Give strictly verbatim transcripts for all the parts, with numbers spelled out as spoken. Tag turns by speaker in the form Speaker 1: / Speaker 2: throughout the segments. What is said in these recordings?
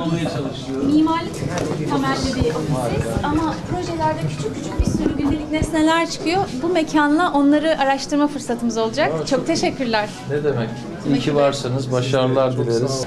Speaker 1: olmaya çalışıyoruz.
Speaker 2: Mimarlık temelli bir ofisiz ama projelerde küçük küçük bir sürü gündelik nesneler çıkıyor. Bu mekanla onları araştırma fırsatımız olacak.
Speaker 1: Aa,
Speaker 2: çok teşekkürler.
Speaker 1: Ne demek? İyi ki varsınız. Başarılar dileriz.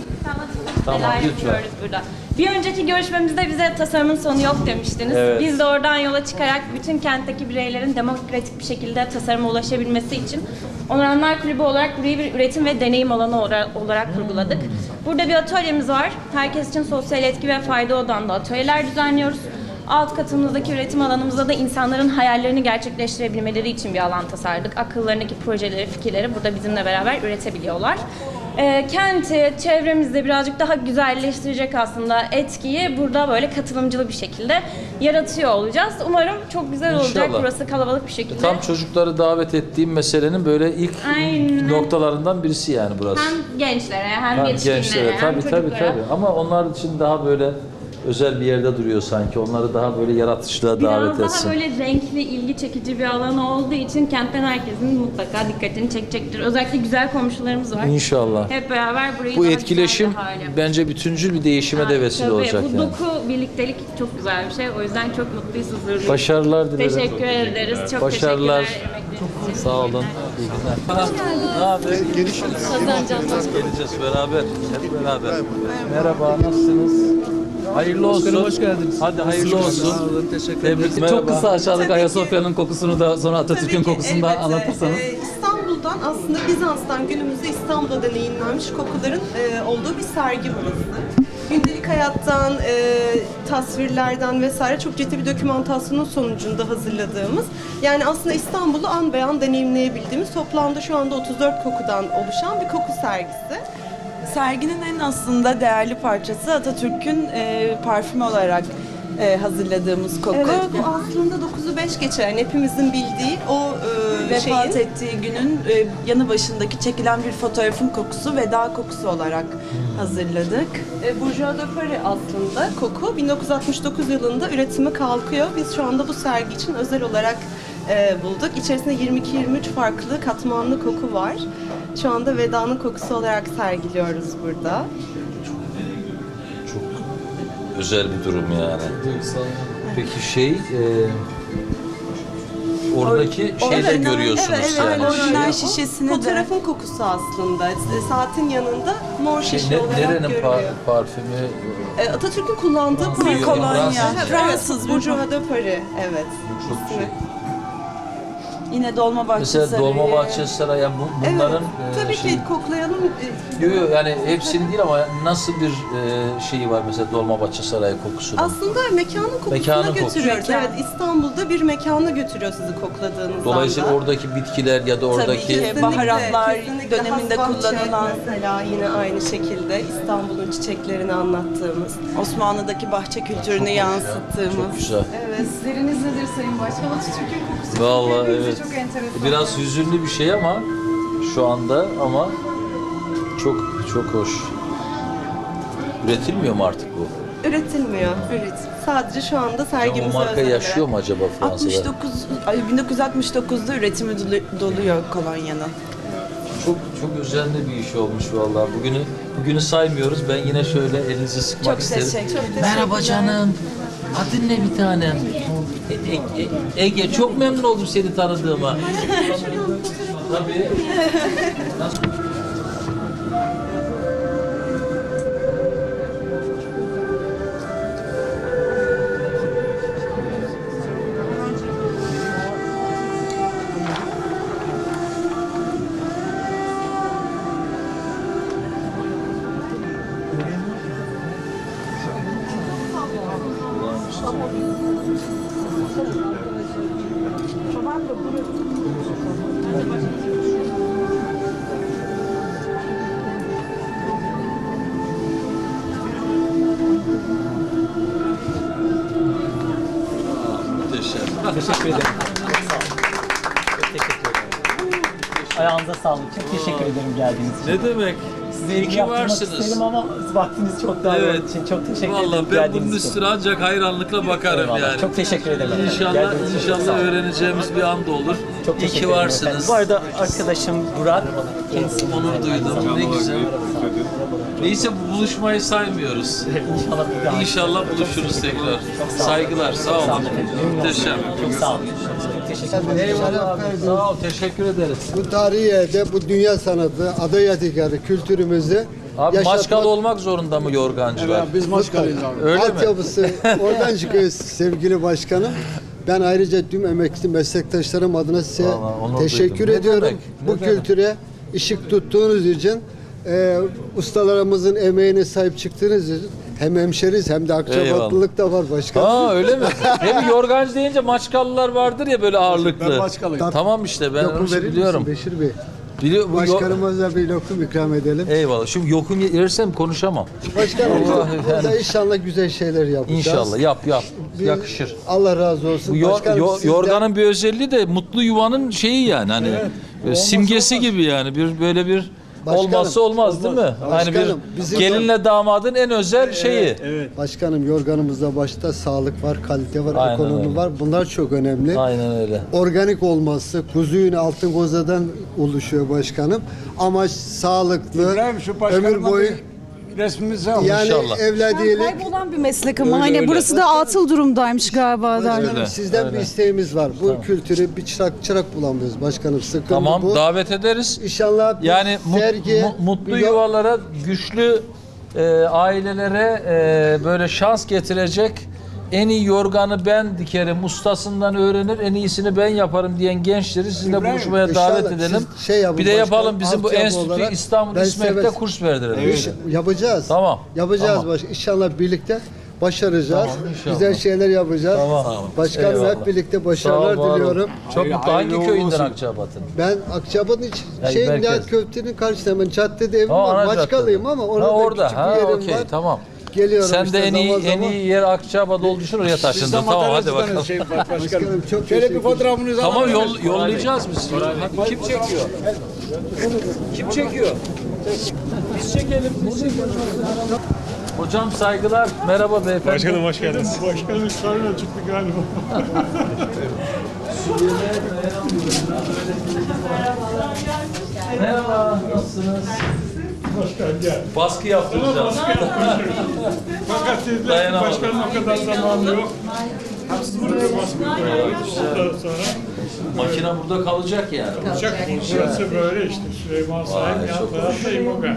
Speaker 1: Tamam,
Speaker 3: Neler
Speaker 1: lütfen.
Speaker 3: yapıyoruz burada. Bir önceki görüşmemizde bize tasarımın sonu yok demiştiniz.
Speaker 1: Evet.
Speaker 3: Biz de oradan yola çıkarak bütün kentteki bireylerin demokratik bir şekilde tasarıma ulaşabilmesi için Onuranlar Kulübü olarak burayı bir üretim ve deneyim alanı olarak kurguladık. Burada bir atölyemiz var. Herkes için sosyal etki ve fayda odağında atölyeler düzenliyoruz. Alt katımızdaki üretim alanımızda da insanların hayallerini gerçekleştirebilmeleri için bir alan tasarladık. Akıllarındaki projeleri, fikirleri burada bizimle beraber üretebiliyorlar. E, kenti, çevremizde birazcık daha güzelleştirecek aslında etkiyi burada böyle katılımcılı bir şekilde yaratıyor olacağız. Umarım çok güzel olacak.
Speaker 1: İnşallah.
Speaker 3: Burası kalabalık bir şekilde.
Speaker 1: Tam çocukları davet ettiğim meselenin böyle ilk
Speaker 3: Aynen.
Speaker 1: noktalarından birisi yani burası.
Speaker 3: Hem gençlere hem
Speaker 1: Ha,
Speaker 3: yetişkinlere
Speaker 1: gençlere
Speaker 3: hem
Speaker 1: tabii tabii
Speaker 3: çocuklara.
Speaker 1: tabii. Ama onlar için daha böyle özel bir yerde duruyor sanki. Onları daha böyle yaratıcılığa davet
Speaker 3: Biraz
Speaker 1: etsin.
Speaker 3: daha böyle renkli, ilgi çekici bir alanı olduğu için kentten herkesin mutlaka dikkatini çekecektir. Özellikle güzel komşularımız var.
Speaker 1: İnşallah.
Speaker 3: Hep beraber burayı
Speaker 1: Bu
Speaker 3: daha
Speaker 1: etkileşim
Speaker 3: güzel bir hale yapacağız.
Speaker 1: bence bütüncül bir değişime de vesile
Speaker 3: Tabii,
Speaker 1: olacak
Speaker 3: bu
Speaker 1: yani.
Speaker 3: doku, birliktelik çok güzel bir şey. O yüzden çok mutluyuz, huzurluyuz.
Speaker 1: Başarılar dilerim.
Speaker 3: Teşekkür ederiz. Çok
Speaker 1: Başarılar.
Speaker 3: teşekkürler. emekleriniz için.
Speaker 1: Sağ olun. İyi günler. Ne haber? Gelişiriz. Geleceğiz beraber. Hep beraber. Merhaba, nasılsınız? Hayırlı olsun.
Speaker 4: Hoş geldiniz.
Speaker 1: Hadi hayırlı olsun.
Speaker 4: Sağ olun, teşekkür ederim.
Speaker 1: Tebrik.
Speaker 4: Çok kısa aşağıdaki
Speaker 5: Tabii
Speaker 4: Ayasofya'nın kokusunu da sonra Atatürk'ün
Speaker 5: Tabii ki,
Speaker 4: kokusunu da
Speaker 5: elbette.
Speaker 4: anlatırsanız.
Speaker 5: Ee, İstanbul'dan aslında Bizans'tan günümüzde İstanbul'da deneyimlenmiş kokuların e, olduğu bir sergi burası. Gündelik hayattan, e, tasvirlerden vesaire çok ciddi bir dokümantasyonun sonucunda hazırladığımız, yani aslında İstanbul'u an be an deneyimleyebildiğimiz toplamda şu anda otuz dört kokudan oluşan bir koku sergisi.
Speaker 6: Serginin en aslında değerli parçası Atatürk'ün e, parfümü olarak e, hazırladığımız koku.
Speaker 5: Evet, bu aslında dokuzu beş geçen hepimizin bildiği o e,
Speaker 6: Vefat
Speaker 5: şeyin
Speaker 6: ettiği günün e, yanı başındaki çekilen bir fotoğrafın kokusu, veda kokusu olarak hazırladık.
Speaker 5: E, Bourgeois de Paris aslında koku. bin dokuz yüz altmış dokuz yılında üretimi kalkıyor. Biz şu anda bu sergi için özel olarak e, bulduk. İçerisinde yirmi iki yirmi üç farklı katmanlı koku var. Şu anda vedanın kokusu olarak sergiliyoruz burada.
Speaker 1: Çok özel bir durum yani. Peki şey, e, oradaki şeyi de
Speaker 5: Evet,
Speaker 1: görüyorsunuz
Speaker 5: evet,
Speaker 1: yani.
Speaker 5: evet,
Speaker 6: Orijinal
Speaker 5: şey.
Speaker 6: şişesini de-
Speaker 5: Fotoğrafın kokusu aslında. E, Saatin yanında mor
Speaker 1: Şey,
Speaker 5: şişe
Speaker 1: ne-
Speaker 5: olarak
Speaker 1: nerenin
Speaker 5: görülüyor.
Speaker 1: par- parfümü?
Speaker 5: E, Atatürk'ün kullandığı
Speaker 6: Bir
Speaker 5: parfüm.
Speaker 6: kolonya,
Speaker 1: Fransız.
Speaker 6: Fransız bir
Speaker 5: Bourgeois de Paris, evet.
Speaker 1: Çok
Speaker 5: İsmi.
Speaker 1: şey.
Speaker 6: yine Dolmabahçe
Speaker 1: Mesela
Speaker 6: Sarayı.
Speaker 1: Dolmabahçe Sarayı, yani bu, bunların
Speaker 5: Evet,
Speaker 1: e,
Speaker 5: tabii
Speaker 1: şey,
Speaker 5: ki koklayalım. E,
Speaker 1: Yok yok, yani hepsini değil ama nasıl bir e, şeyi var mesela Dolmabahçe Sarayı kokusunun?
Speaker 5: Aslında mekanın kokusuna
Speaker 1: Mekanın kokusu.
Speaker 5: götürüyoruz.
Speaker 6: Mekan.
Speaker 5: Evet, İstanbul'da bir mekana götürüyor sizi kokladığınız
Speaker 1: Dolayısıyla
Speaker 5: anda.
Speaker 1: oradaki bitkiler ya da oradaki
Speaker 6: ki. baharatlar
Speaker 5: kesinlikle.
Speaker 6: döneminde
Speaker 5: Hasbahçe
Speaker 6: kullanılan-
Speaker 5: mesela yine aynı şekilde İstanbul'un çiçeklerini anlattığımız.
Speaker 6: Osmanlı'daki bahçe kültürünü yansıttığımız.
Speaker 1: çok güzel.
Speaker 5: Evet.
Speaker 2: Hisleriniz nedir Sayın Başkan? Atatürk'ün kokusu.
Speaker 1: Vallahi
Speaker 2: Hepimize
Speaker 1: evet.
Speaker 2: Çok enteresan.
Speaker 1: Biraz hüzünlü bir şey ama şu anda ama çok çok hoş. Üretilmiyor mu artık bu?
Speaker 5: Üretilmiyor. Üret. Sadece şu anda
Speaker 1: Ya
Speaker 5: sergimize
Speaker 1: o marka
Speaker 5: özel
Speaker 1: yaşıyor
Speaker 5: olarak.
Speaker 1: mu acaba Fransa'da?
Speaker 6: altmış dokuz, ay, bin dokuz yüz altmış dokuzda üretimi dolu- doluyor kolonyanın.
Speaker 1: Çok çok özenli bir iş olmuş vallahi. Bugünü bugünü saymıyoruz. Ben yine şöyle elinizi sıkmak
Speaker 6: Çok
Speaker 1: isterim.
Speaker 6: teşekkür ederim.
Speaker 1: Merhaba canım. Adın ne bir tanem? E- E- E- Ege, çok memnun oldum seni tanıdığıma. Tabii. Muhteşem.
Speaker 4: Teşekkür ederim. Sağ olun. Çok teşekkür ederim. Ayağınıza sağlık. Çok teşekkür ederim geldiğiniz için.
Speaker 1: Ne demek?
Speaker 4: Size
Speaker 1: İyi
Speaker 4: ilgi
Speaker 1: ki
Speaker 4: yaptırmak
Speaker 1: varsınız.
Speaker 4: isterim ama vaktiniz çok daha
Speaker 1: Evet.
Speaker 4: olduğu için çok teşekkür
Speaker 1: Vallahi
Speaker 4: ederim
Speaker 1: ben bunun
Speaker 4: geldiğiniz için.
Speaker 1: üstüne ancak hayranlıkla bakarım
Speaker 4: Eyvallah.
Speaker 1: yani.
Speaker 4: Çok teşekkür ederim. efendim.
Speaker 1: İnşallah
Speaker 4: Geldiğiniz için çok sağ
Speaker 1: inşallah
Speaker 4: olun.
Speaker 1: öğreneceğimiz bir an da olur.
Speaker 4: Çok
Speaker 1: İyi
Speaker 4: teşekkür
Speaker 1: ki
Speaker 4: ederim
Speaker 1: varsınız.
Speaker 4: efendim. Bu arada arkadaşım Burak. Kendisi
Speaker 1: Onur duydum. Ne güzel. Neyse bu buluşmayı saymıyoruz.
Speaker 4: İnşallah bir daha.
Speaker 1: İnşallah buluşuruz tekrar.
Speaker 4: sağ olun.
Speaker 1: Saygılar. Sağ
Speaker 4: Sağ olun
Speaker 1: olun.
Speaker 4: efendim.
Speaker 1: Muhteşem.
Speaker 4: Çok sağ olun. Çok teşekkür ederim.
Speaker 1: Eyvallah abi. Sağ ol. Teşekkür ederiz.
Speaker 7: Bu tarihi yerde bu dünya sanatı, ada yadigarı kültürümüzü
Speaker 1: Abi
Speaker 7: yaşatmak-
Speaker 1: Maçkalı olmak zorunda mı yorgancılar?
Speaker 7: Biz Maçkalıyız abi.
Speaker 1: Öyle mi?
Speaker 7: Altyapısı oradan çıkıyor sevgili başkanım. Ben ayrıca tüm emekli meslektaşlarım adına size
Speaker 1: Vallahi onur
Speaker 7: teşekkür
Speaker 1: duydum. Ne
Speaker 7: ediyorum.
Speaker 1: demek, ne
Speaker 7: Bu
Speaker 1: demek.
Speaker 7: kültüre ışık tuttuğunuz için, e, ustalarımızın emeğine sahip çıktığınız için hem hemşeriz hem de akçabatlılık da var başkanım.
Speaker 1: Aa öyle mi? Hem yorgancı deyince Maçkalılar vardır ya böyle ağırlıklı.
Speaker 7: Ben Maçkalıyım.
Speaker 1: Tamam işte ben
Speaker 7: Lokum
Speaker 1: onu
Speaker 7: verir
Speaker 1: biliyorum.
Speaker 7: misin Beşir Bey?
Speaker 1: Biliyor, bu yo-
Speaker 7: Başkanımıza bir lokum ikram edelim.
Speaker 1: Eyvallah. Şimdi yokum yersem konuşamam.
Speaker 7: Başkanım
Speaker 1: Allah
Speaker 7: burada
Speaker 1: yani.
Speaker 7: inşallah güzel şeyler yapacağız.
Speaker 1: İnşallah yap yap.
Speaker 7: Bir-
Speaker 1: Yakışır.
Speaker 7: Allah razı olsun.
Speaker 1: Bu yor-
Speaker 7: Başkanım,
Speaker 1: yo-
Speaker 7: sizden-
Speaker 1: yorganın bir özelliği de mutlu yuvanın şeyi yani hani e, simgesi gibi yani bir böyle bir
Speaker 7: Başkanım,
Speaker 1: olmazsa olmaz, değil mi? Hani bir
Speaker 7: Başkanım, bizim-
Speaker 1: gelinle damadın en özel şeyi.
Speaker 7: Başkanım yorganımızda başta sağlık var, kalite var,
Speaker 1: Aynen
Speaker 7: ekonomi
Speaker 1: öyle.
Speaker 7: var. Bunlar çok önemli.
Speaker 1: Aynen öyle.
Speaker 7: Organik olması, kuzu yünü altın kozadan oluşuyor başkanım. Amaç sağlıklı,
Speaker 8: İbrahim şu
Speaker 7: ömür
Speaker 8: başkanıma
Speaker 7: boyu
Speaker 8: bir resmimizi al.
Speaker 7: yani
Speaker 1: İnşallah.
Speaker 7: evladiyelik.
Speaker 9: Kaybolan bir meslek ama
Speaker 1: Öyle,
Speaker 9: hani
Speaker 1: öyle.
Speaker 9: burası da atıl durumdaymış galiba.
Speaker 7: Başkanım,
Speaker 1: Öyle,
Speaker 7: sizden
Speaker 1: öyle.
Speaker 7: bir isteğimiz var. Bu kültürü bir çırak çırak bulamıyoruz başkanım. Sıkıntı
Speaker 1: Tamam
Speaker 7: bu.
Speaker 1: davet ederiz.
Speaker 7: İnşallah bir
Speaker 1: Yani mu-
Speaker 7: sergi,
Speaker 1: mu- mutlu
Speaker 7: bir yo-
Speaker 1: yuvalara, güçlü e, ailelere e, böyle şans getirecek en iyi yorganı ben dikerim, ustasından öğrenir, en iyisini ben yaparım diyen gençleri sizinle
Speaker 8: İbrahim,
Speaker 1: buluşmaya
Speaker 7: inşallah
Speaker 1: davet edelim.
Speaker 7: siz şey yapın
Speaker 1: Bir de
Speaker 7: başkanım,
Speaker 1: yapalım bizim bu
Speaker 7: altyapı
Speaker 1: enstitü
Speaker 7: olarak
Speaker 1: İstanbul
Speaker 7: ben
Speaker 1: İSMEK'te
Speaker 7: severim.
Speaker 1: kurs verdirelim.
Speaker 7: İş- yapacağız.
Speaker 1: Tamam.
Speaker 7: Yapacağız
Speaker 1: Tamam.
Speaker 7: baş. İnşallah birlikte başaracağız.
Speaker 1: Tamam, inşallah.
Speaker 7: Güzel şeyler yapacağız.
Speaker 1: Tamam.
Speaker 7: Başkanım
Speaker 1: Eyvallah.
Speaker 7: hep birlikte
Speaker 1: Sağ ol,
Speaker 7: başarılar
Speaker 1: var ol.
Speaker 7: diliyorum.
Speaker 1: Çok
Speaker 8: Hayır,
Speaker 1: mutlu. Hangi
Speaker 8: hayırlı
Speaker 1: köyünden
Speaker 8: olsun.
Speaker 1: Akçabat'ın?
Speaker 7: Ben Akçabat'ın iç
Speaker 1: Hayır,
Speaker 7: şey
Speaker 1: merkez.
Speaker 7: Nihat Köfte'nin karşısında hemen caddede evim
Speaker 1: Ha,
Speaker 7: var.
Speaker 1: ana
Speaker 7: Maçkalıyım
Speaker 1: caddede.
Speaker 7: ama
Speaker 1: Ha,
Speaker 7: orada
Speaker 1: orada.
Speaker 7: küçük
Speaker 1: Ha,
Speaker 7: bir yerim
Speaker 1: okey,
Speaker 7: var.
Speaker 1: tamam.
Speaker 7: Geliyorum
Speaker 1: Sen
Speaker 7: işte
Speaker 1: de en iyi
Speaker 7: zaman
Speaker 1: en
Speaker 7: zaman.
Speaker 1: iyi yer Akçabat olduğu için oraya taşındın. Tamam hadi bakalım.
Speaker 8: Şey, başkanım.
Speaker 7: Başkanım çok
Speaker 8: Şöyle bir
Speaker 7: teşekkür
Speaker 8: fotoğrafınızı
Speaker 1: Tamam
Speaker 8: alabilir
Speaker 1: yol,
Speaker 8: miyiz?
Speaker 1: yollayacağız biz. Kim çekiyor? Kim çekiyor? Biz çekelim. Biz çekelim. Hocam saygılar. Merhaba beyefendi.
Speaker 10: Başkanım hoş geldiniz.
Speaker 8: Başkanım şöyle çıktı galiba.
Speaker 1: Merhaba. Nasılsınız?
Speaker 8: Başkan gel.
Speaker 1: Baskı yaptıracağız.
Speaker 8: Fakat sizde
Speaker 1: Dayanamadım.
Speaker 8: başkanın o kadar zamanı yok. Buraya baskı koyuyoruz. Ondan sonra
Speaker 1: Makine burada kalacak yani.
Speaker 8: uçak burası böyle işte. Süleyman Sahip
Speaker 1: Vay,
Speaker 8: yan
Speaker 1: çok
Speaker 8: tarafta İmoga.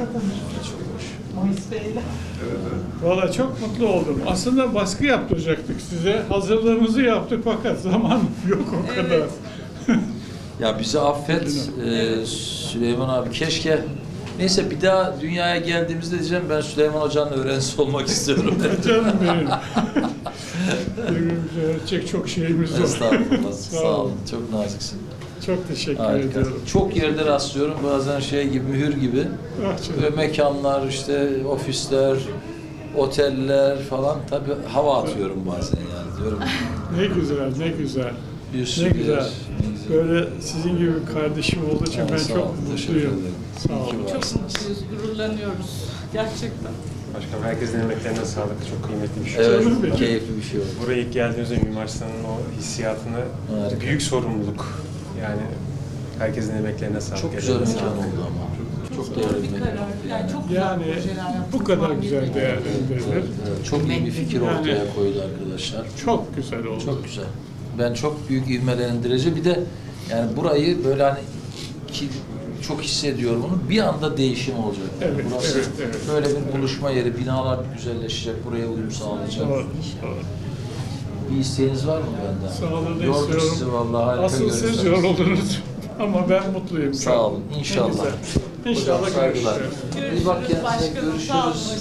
Speaker 8: Valla çok mutlu oldum. Aslında baskı yaptıracaktık size. Hazırlığımızı yaptık fakat zaman yok o kadar.
Speaker 1: Ya bizi affet ee, Süleyman abi, keşke neyse bir daha dünyaya geldiğimizde diyeceğim ben Süleyman Hoca'nın öğrencisi olmak istiyorum.
Speaker 8: Canım benim. Birbirimize öğretecek çok şeyimiz var.
Speaker 1: Estağfurullah.
Speaker 8: Sağ
Speaker 1: Sağ
Speaker 8: olun.
Speaker 1: olun. Çok naziksin.
Speaker 8: Çok teşekkür
Speaker 1: Harika.
Speaker 8: ediyorum.
Speaker 1: Çok yerde rastlıyorum. Bazen şey gibi, mühür gibi.
Speaker 8: Ah canım.
Speaker 1: Ve mekanlar, işte ofisler, oteller falan. Tabii hava atıyorum bazen yani. Diyorum
Speaker 8: Ne güzel, ne güzel.
Speaker 1: bir
Speaker 8: Ne
Speaker 1: sürü
Speaker 8: güzel.
Speaker 1: yer, ne güzel.
Speaker 8: Böyle sizin gibi bir kardeşim olduğu için
Speaker 1: Ha,
Speaker 8: ben
Speaker 1: sağ
Speaker 8: çok
Speaker 1: olun, teşekkür
Speaker 8: mutluyum.
Speaker 1: ederim.
Speaker 8: Sağ
Speaker 1: İyi ki
Speaker 8: olun.
Speaker 1: varsınız.
Speaker 9: Gururlanıyoruz. Gerçekten.
Speaker 10: Başkanım herkesin emeklerine sağlık. Çok kıymetli bir şey.
Speaker 1: Evet,
Speaker 8: Canım benim.
Speaker 1: keyifli bir şey oldu.
Speaker 10: Buraya ilk geldiğimizde Mimar Sinan'ın o hissiyatını,
Speaker 1: Harika.
Speaker 10: büyük sorumluluk. Yani herkesin emeklerine sağlık.
Speaker 1: Çok güzel bir
Speaker 10: ellerine
Speaker 1: mekan
Speaker 10: sağlık.
Speaker 1: oldu ama. Çok değerli bir mekan.
Speaker 9: Yani çok
Speaker 8: Yani bu kadar güzel değerlendirilir.
Speaker 1: Evet, çok iyi bir fikir ortaya koydu arkadaşlar.
Speaker 8: Çok güzel oldu.
Speaker 1: Çok güzel. Ben çok büyük ivmelendirici. Bir de yani burayı böyle hani ki çok hissediyorum onu. Bir anda değişim olacak. Yani
Speaker 8: Evet,
Speaker 1: burası
Speaker 8: evet, evet.
Speaker 1: böyle bir buluşma yeri. Binalar güzelleşecek. Buraya uyum sağlayacak.
Speaker 8: Doğru, doğru.
Speaker 1: Bir isteğiniz var mı benden?
Speaker 8: Sağlığını
Speaker 1: Yorduk
Speaker 8: istiyorum.
Speaker 1: sizi vallahi. Harika
Speaker 8: Asıl siz
Speaker 1: görürsünüz.
Speaker 8: yoruldunuz. Ama ben mutluyum. şu
Speaker 1: Sağ
Speaker 8: an.
Speaker 1: olun.
Speaker 8: Ne
Speaker 1: İnşallah.
Speaker 8: güzel. İnşallah
Speaker 1: Hocam saygılar.
Speaker 8: görüşürüz.
Speaker 1: İyi bak kendinize, görüşürüz.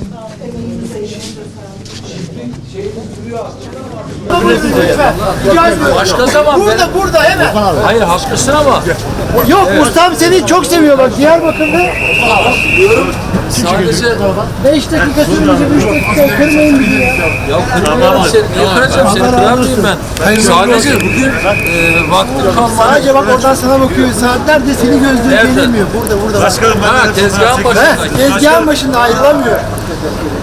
Speaker 1: Başka zaman burada, ben... burada hemen. Hayır haklısın ama.
Speaker 7: Yok ustam seni çok seviyor bak Diyarbakır'da.
Speaker 1: Sadece
Speaker 7: beş dakika sürünce üç dakika kırmayın bizi ya.
Speaker 1: ya kırmıyorum seni. Niye kıracağım seni? Kırar mıyım ben? Sadece bugün e, vaktim kalmadı.
Speaker 7: Sadece bak oradan sana bakıyor. Saatlerce seni gözlüğü
Speaker 1: Nerede?
Speaker 7: gelemiyor. Burada burada. Başkanım
Speaker 1: Ha tezgahın başında.
Speaker 7: tezgahın başında ayrılamıyor.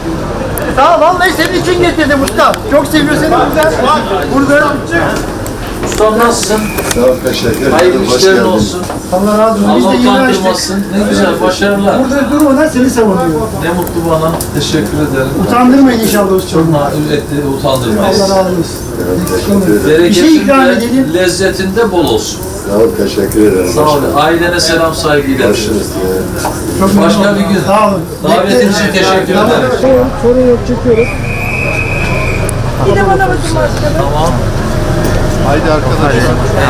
Speaker 7: Sağ ol vallahi senin için getirdim usta. Çok seviyor seni burada. Burada.
Speaker 1: Ustam nasılsın?
Speaker 7: Sağ ol, teşekkür ederim.
Speaker 1: Hayırlı
Speaker 7: Hoş
Speaker 1: işlerin
Speaker 7: geldin.
Speaker 1: olsun.
Speaker 9: Allah razı olsun. Biz de
Speaker 1: Allah
Speaker 9: yeni açtık.
Speaker 1: utandırmasın. Ne güzel, başarılar.
Speaker 9: Burada durmadan seni savunuyor.
Speaker 1: Ne mutlu bana. Teşekkür ederim.
Speaker 9: Utandırmayın inşallah usta.
Speaker 1: Çok na- etti, utandırmayız.
Speaker 9: Allah razı olsun.
Speaker 7: Evet, teşekkür ederim.
Speaker 9: Bir şey ikram
Speaker 1: Bereketinde,
Speaker 9: edelim.
Speaker 1: lezzetinde bol olsun.
Speaker 7: Sağ ol, teşekkür ederim.
Speaker 1: Sağ olun. Ailene selam saygı iletin.
Speaker 7: Görüşürüz.
Speaker 9: Çok
Speaker 1: Başka
Speaker 9: memnun
Speaker 1: bir
Speaker 9: oldum.
Speaker 1: gün.
Speaker 9: Sağ olun.
Speaker 1: Davetin için teşekkür ederim.
Speaker 9: Sorun yok, çekiyoruz.
Speaker 1: Tamam.
Speaker 7: Haydi arkadaşlar.